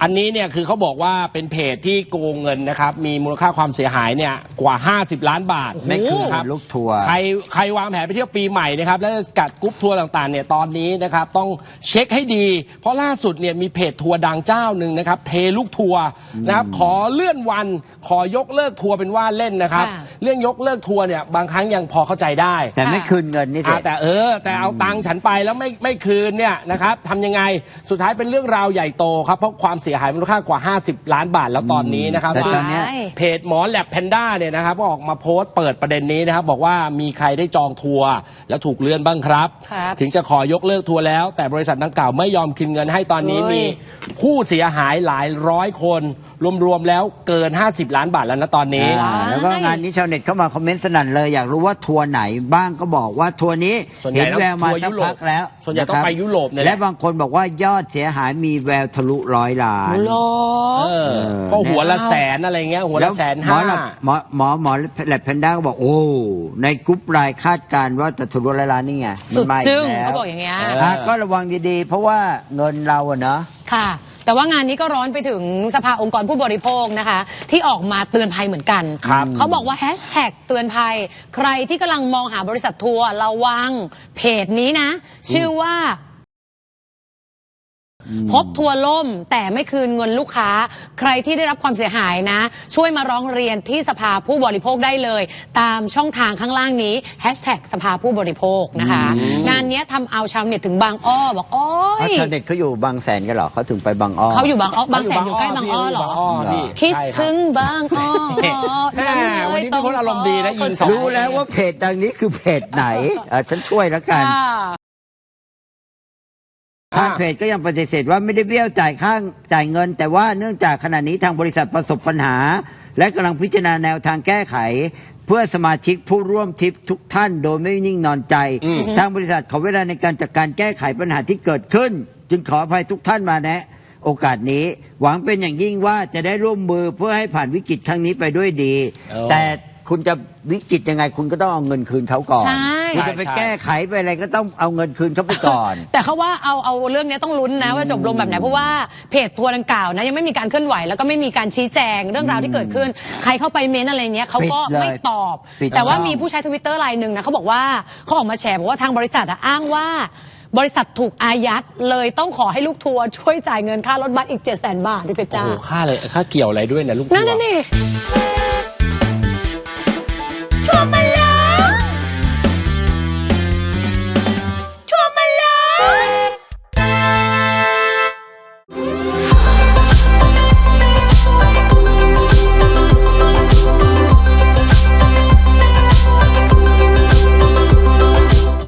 อันนี้เนี่ยคือเขาบอกว่าเป็นเพจที่โกงเงินนะครับมีมูลค่าความเสียหายเนี่ยกว่า50 ล้านบาทไม่คือครับลูกทัวร์ใครวางแผนไปเที่ยวปีใหม่นะครับแล้วกัดกรุ๊ปทัวร์ต่างๆเนี่ยตอนนี้นะครับต้องเช็คให้ดีเพราะล่าสุดเนี่ยมีเพจทัวร์ดังเจ้าหนึ่งนะครับเทลูกทัวร์นะครับขอเลื่อนวันขอยกเลิกทัวร์เป็นว่าเล่นนะครับเรื่องยกเลิกทัวร์เนี่ยบางครั้งยังพอเข้าใจได้แต่ไม่คืนเงินนี่สิแต่เอาตังค์ฉันไปแล้วไม่คืนเนี่ยนะครับทำยังไงสุดท้ายเป็นเรื่องราวใหญ่โตครับเพราะความเสียหายมูลค่ากว่า50 ล้านบาทแล้วตอนนี้นะครับแต่ตอนนี้เพจหมอแลบแพนด้าเนี่ยนะครับก็ออกมาโพสต์เปิดประเด็นนี้นะครับบอกว่ามีใครได้จองทัวร์แล้วถูกเลื่อนบ้างครับถึงจะขอยกเลิกทัวร์แล้วแต่บริษัทดังกล่าวไม่ยอมคืนเงินให้ตอนนี้มีผู้เสียหายหลายร้อยคนรวมๆแล้วเกิน50 ล้านบาทแล้วนะตอนนี้แล้วก็งานนี้ชาวเน็ตเข้ามาคอมเมนต์สนั่นเลยอยากรู้ว่าทัวร์ไหนบ้างก็บอกว่าทัวร์นี้เห็นแววมาสักพักแล้วส่วนใหญ่ต้องไปยุโรปเนี่ยและบางคนบอกว่ายอดเสียหายมีแววทะลุ100 ล้านก็หัวละแสนอะไรเงี้ยหัวละ150,000 หมอแลบแพนด้าก็บอกโอ้ในกรุ๊ปไลน์คาดการณ์ว่าจะทะลุ100 ล้านนี่ไงสุดจึ้งเขาบอกอย่างเงี้ยก็ระวังดีๆเพราะว่าเงินเราอะเนาะค่ะแต่ว่างานนี้ก็ร้อนไปถึงสภาองค์กรผู้บริโภคนะคะที่ออกมาเตือนภัยเหมือนกันเขาบอกว่าแฮชแท็กเตือนภัยใครที่กำลังมองหาบริษัททัวร์ระวังเพจนี้นะชื่อว่าพบทัวร์ล่มแต่ไม่คืนเงินลูกค้าใครที่ได้รับความเสียหายนะช่วยมาร้องเรียนที่สภาผู้บริโภคได้เลยตามช่องทางข้างล่างนี้แฮชแท็กสภาผู้บริโภคนะคะงานนี้ทำเอาชาวเน็ตถึงบางอ้อบอกโอ้ยชาวเน็ตเขาอยู่บางแสนกันหรอเขาถึงไปบางอ้อเขาอยู่บางอ้อบางแสนอยู่ใกล้บางอ้อหรอคิดถึงบางอ้อฉันเลยต้องอารมณ์ดีนะยิงรู้แล้วว่าเพจดังนี้คือเพจไหนฉันช่วยแล้วกันทางเพจก็ยังปฏิเสธว่าไม่ได้เบี้ยวจ่ายเงินแต่ว่าเนื่องจากขณะนี้ทางบริษัทประสบปัญหาและกำลังพิจารณาแนวทางแก้ไขเพื่อสมาชิกผู้ร่วมทริปทุกท่านโดยไม่นิ่งนอนใจทางบริษัทขอเวลาในการจัดการแก้ไขปัญหาที่เกิดขึ้นจึงขออภัยทุกท่านมาแนะโอกาสนี้หวังเป็นอย่างยิ่งว่าจะได้ร่วมมือเพื่อให้ผ่านวิกฤตครั้งนี้ไปด้วยดีแต่คุณจะวิกฤตยังไงคุณก็ต้องเอาเงินคืนเขาก่อนคุณจะไปแก้ไขไปอะไรก็ต้องเอาเงินคืนเขาไปก่อนแต่เขาว่าเอาเรื่องนี้ต้องลุ้นนะว่าจบลงแบบไหนเพราะว่าเพจทัวร์ดังกล่าวนะยังไม่มีการเคลื่อนไหวแล้วก็ไม่มีการชี้แจงเรื่องราวที่เกิดขึ้นใครเข้าไปเม้นอะไรเงี้ยเขาก็ไม่ตอบแต่ว่ามีผู้ใช้ทวิตเตอร์รายหนึ่งนะเขาบอกว่าเขาออกมาแฉบอกว่าทางบริษัทอ้างว่าบริษัทถูกอายัดเลยต้องขอให้ลูกทัวร์ช่วยจ่ายเงินค่ารถบัสอีก700,000 บาทด้วยเพชรจ้าโอ้ค่าเกี่ยวอะไรด้วยนะลูกทัวร์นั่นนี่